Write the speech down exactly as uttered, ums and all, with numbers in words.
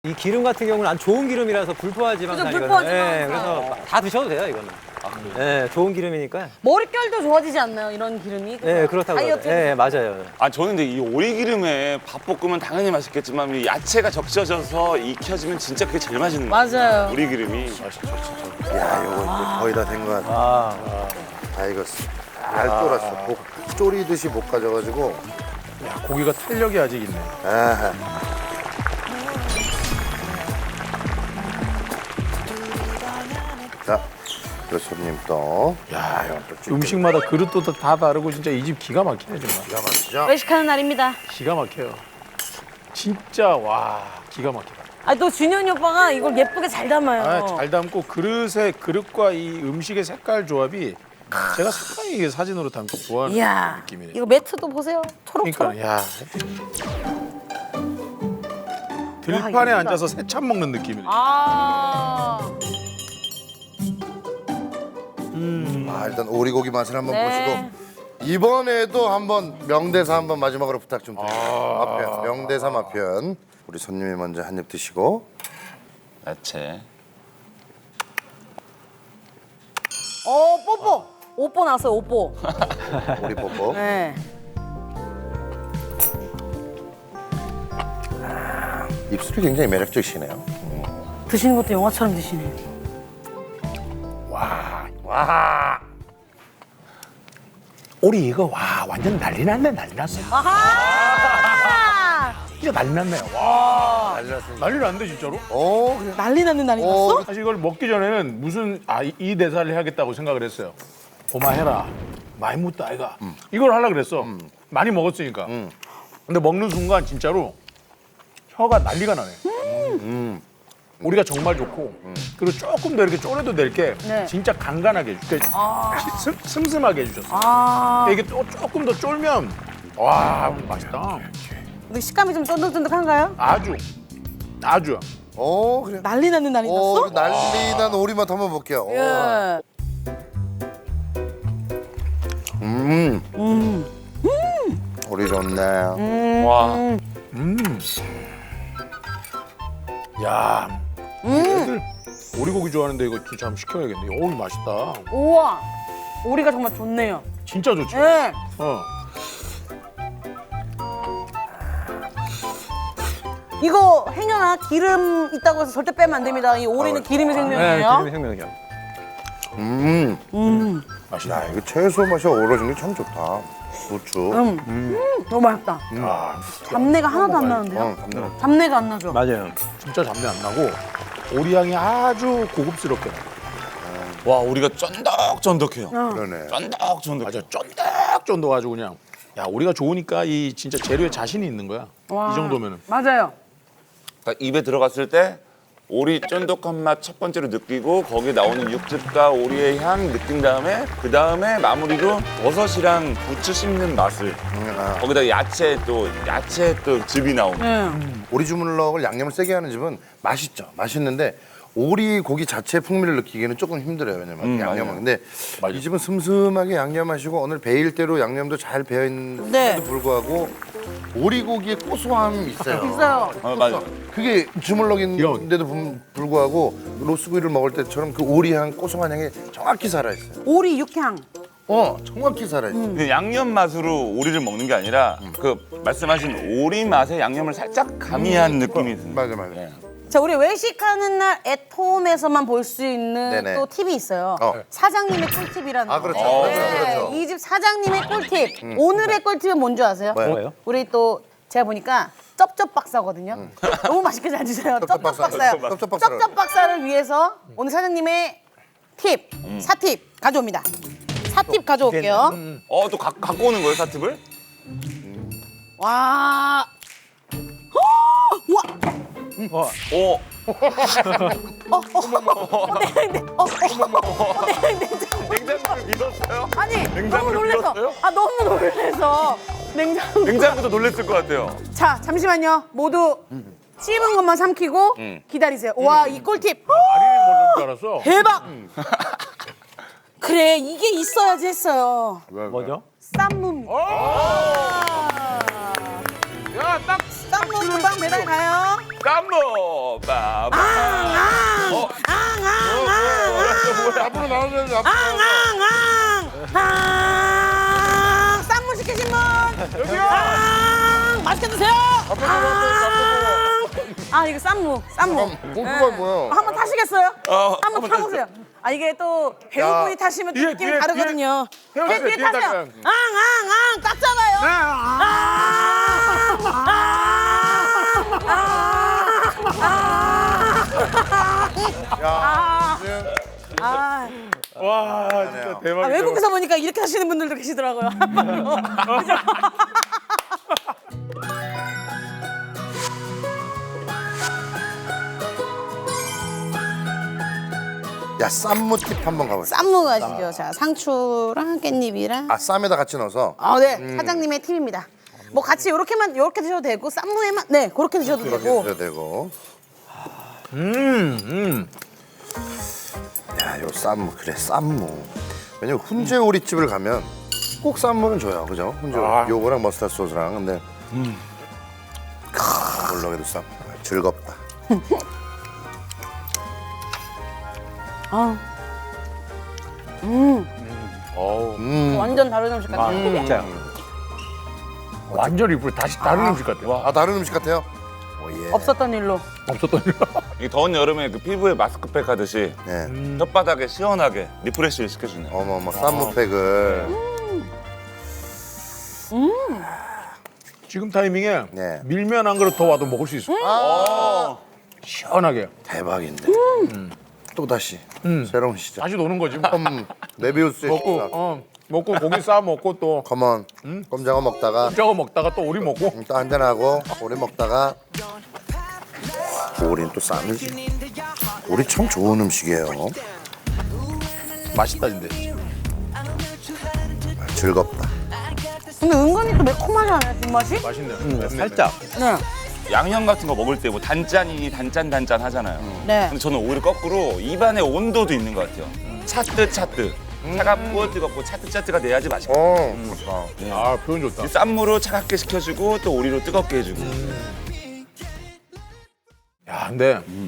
이 기름 같은 경우는 안 좋은 기름이라서 불포화 지방산이거든요. 불포화 예, 지방산. 그래서 다 드셔도 돼요, 이거는. 아, 예, 좋은 기름이니까. 머릿결도 좋아지지 않나요? 이런 기름이? 예, 그렇다고. 다이어트. 예, 맞아요. 아 저는 근데 이 오리기름에 밥 볶으면 당연히 맛있겠지만 이 야채가 적셔져서 익혀지면 진짜 그게 제일 맛있는 거 같아요. 맞아요. 오리기름이 맛있죠 진짜. 야, 요거 이제 거의 다 된 것 같아. 아, 다 익었어. 잘 쫄았어. 볶, 쪼리듯이 볶아져가지고. 야, 고기가 탄력이 아직 있네. 아하. 자, 그 손님 또. 야, 음식마다 그릇도 다 다르고 진짜 이 집 기가 막히네 정말. 기가 막히죠? 외식하는 날입니다. 기가 막혀요. 진짜 와 기가 막히다. 아, 또 준현이 오빠가 이걸 예쁘게 잘 담아요. 아, 잘 담고 그릇의 그릇과 이 음식의 색깔 조합이 제가 상당히 이게 사진으로 담기 좋아하는 이야, 느낌이네. 이거 매트도 보세요. 초록초록. 그러니까 야 들판에 예쁘다. 앉아서 새참 먹는 느낌이네. 아, 아, 일단 오리고기 맛을 한번 네. 보시고. 이번에도 한번 명대사 한번 마지막으로 부탁 좀 드릴게요. 아. 맛편, 명대사 맛편. 우리 손님이 먼저 한 입 드시고. 야채. 어, 뽀뽀. 오뽀 나왔어요, 오뽀. 오리 뽀뽀. 네. 입술이 굉장히 매력적이시네요. 드시는 것도 영화처럼 드시네. 와 오리 이거 와 완전 난리 났네 난리 났어. 아하! 진짜 난리 났네. 와 난리 났는데 진짜로? 오, 그래. 난리 났는 날이 어, 났어? 사실 이걸 먹기 전에는 무슨 아 이 대사를 해야겠다고 생각을 했어요. 고마해라. 많이 묻다 아이가. 이걸 하려고 그랬어. 많이 먹었으니까. 근데 먹는 순간 진짜로 혀가 난리가 나네. 우리가 정말 좋고 그리고 조금 더 이렇게 쪼려도 될 게 네. 진짜 간간하게 해주. 그러니까 슴, 슴슴하게 해주셨어. 아, 이게 또 조금 더 쫄면 와 맛있다. 근데 식감이 좀 쫀득쫀득한가요? 아주 아주. 오, 그래. 난리 났는 날이 오, 났어? 그 난리 난 오리맛 한번 볼게요. 오. 예. 음. 오리 좋네. 와. 야. 애들 오리고기 좋아하는데 이거 진짜 한번 시켜야겠네. 어우 맛있다. 우와, 오리가 정말 좋네요. 진짜 좋지. 예. 어. 이거 행여나 기름 있다고 해서 절대 빼면 안 됩니다. 이 오리는 기름이 네, 생명이에요. 기름이 생명이죠. 음. 맛있다. 야, 이거 채소 맛이 어우러진 게 참 좋다. 고추. 음, 너무 맛있다. 아, 잡내가 하나도 안 나는데요? 어, 감사합니다. 잡내가 안 나죠? 맞아요. 진짜 잡내 안 나고 오리 향이 아주 고급스럽게 나. 와 오리가 쫀득쫀득해요. 그러네. 쫀득쫀득. 맞아, 쫀득쫀득하고 그냥. 야, 우리가 좋으니까 이 진짜 재료에 자신이 있는 거야. 와. 이 정도면은. 맞아요. 그러니까 입에 들어갔을 때 오리 쫀득한 맛 첫 번째로 느끼고 거기에 나오는 육즙과 오리의 향 느낀 다음에 그 다음에 마무리로 버섯이랑 부추 씹는 맛을 아. 거기다 야채 또 야채 또 즙이 나오는. 네. 오리 주물럭을 양념을 세게 하는 집은 맛있죠. 맛있는데 오리 고기 자체의 풍미를 느끼기에는 조금 힘들어요. 왜냐면 음, 양념은. 맞아요. 근데 맞아요. 이 집은 슴슴하게 양념하시고 오늘 베일대로 양념도 잘 배어 있는데도 네. 불구하고 오리 고기의 고소함이 있어요. 있어요. 어, 맞아. 그게 주물럭인데도 불- 불구하고 로스구이를 먹을 때처럼 그 오리 향, 고소한 향이 정확히 살아있어요. 오리 육향. 어, 정확히 살아있어요. 그 양념 맛으로 오리를 먹는 게 아니라 그 말씀하신 오리 맛에 양념을 살짝 가미한 느낌이 드는. 맞아, 맞아. 네. 자, 우리 외식하는 날 애톰에서만 볼 수 있는 네네. 또 팁이 있어요. 어. 사장님의 꿀팁이라는 아, 거. 그렇죠. 어, 그렇죠, 그렇죠. 이 집 사장님의 꿀팁. 오늘의 꿀팁은 뭔지 아세요? 뭐예요? 뭐예요? 우리 또 제가 보니까 쩝쩝 박사거든요. 너무 맛있게 잘 드세요. 쩝쩝 박사. 박사요. 쩝쩝 박사를. 쩝쩝 박사를 위해서 오늘 사장님의 팁, 사팁 가져옵니다. 사팁 가져올게요. 어, 또 가, 갖고 오는 거예요, 사팁을? 와. 와. 어, 어, 어, 어, 네, 네, 어, 어, 어, 네, 네, 네. 냉장고를 믿었어요? 아니, 너무 냉장고를 놀래서. 믿었어요? 아, 너무 놀래서. 냉장고. 냉장고도 놀랬을 것 같아요. 자, 잠시만요. 모두 씹은 것만 삼키고 기다리세요. 와, 이 꿀팁. 아리를 모르는 줄 알았어. 대박. 그래, 이게 있어야지 했어요. 뭐죠? 쌈무입니다. 야, 딱 쌈무 금방 배달 가요. 쌈무 빠바. 어, 앞으로 나오면 앞으로 나오면. 아, 쌈무 시키신 분 여기요. 맛있게 드세요. 아 이거 쌈무, 쌈무. 공수가 뭐야? 한번 타시겠어요? 어, 한번 타보세요. 아 이게 또 배우분이 타시면 뒤에, 느낌이 뒤에, 다르거든요. 뒤에. 뒤에, 뒤에, 뒤에 뒤에 타세요. 타세요. 앙앙앙 딱 잡아요. 아, 아, 아, 아, 와 진짜 아, 대박이다. 외국에서 보니까 이렇게 하시는 분들도 계시더라고요. 한발로. 그죠? 야 쌈무 팁 한번 가보자. 쌈무 가시죠. 자, 상추랑 깻잎이랑. 아 쌈에다 같이 넣어서. 아, 네. 사장님의 팁입니다. 뭐 같이 요렇게만 요렇게 드셔도 되고 쌈무에만 네, 그렇게 드셔도 이렇게 되고. 해도 되고. 음, 음. 야, 요 쌈무 그래 쌈무. 왜냐면 훈제 오리집을 가면 꼭 쌈무는 줘요, 그죠? 훈제 오리. 아. 요거랑 머스타드 소스랑 근데 크, 물렁이도 쌈 즐겁다. 아, 어우, 음. 완전 다른 음식 같아요. 아, 진짜요. 완전 이쁘 다시 다른 음식 같아요. 아 다른 음식 같아요? 오, 예. 없었던 일로. 없었던 일. 이 더운 여름에 그 피부에 마스크팩 하듯이 네. 혓바닥에 시원하게 리프레시를 시켜주네요. 어머 어머 쌈무팩을. 지금 타이밍에 네. 밀면 한 그릇 더 와도 먹을 수 있어. 어. 시원하게. 대박인데. 또 다시 음. 새로운 시작. 다시 노는 거지. 뭐. 음, 메비우스의 먹고 시작. 어 먹고 고기 싸 먹고 또 컴온. 꼼장어 먹다가 저거 먹다가 또 오리 먹고. 또 한잔 하고 오리 먹다가 오리는 또 쌈이지. 오리 참 좋은 음식이에요. 맛있다 근데. 즐겁다. 근데 은근히 또 매콤하지 않아요, 뒷맛이? 맛있네요. 음, 맵네. 살짝. 네. 양념 같은 거 먹을 때 뭐 단짠이니 단짠 단짠 하잖아요. 네. 근데 저는 오히려 거꾸로 입안의 온도도 있는 것 같아요. 차뜨 차뜨. 차갑고 뜨겁고 차뜨 차뜨가 돼야지 맛있고. 어, 좋다. 아 표현 좋다. 이 쌈무로 차갑게 식혀주고 또 오리로 뜨겁게 해주고. 야 근데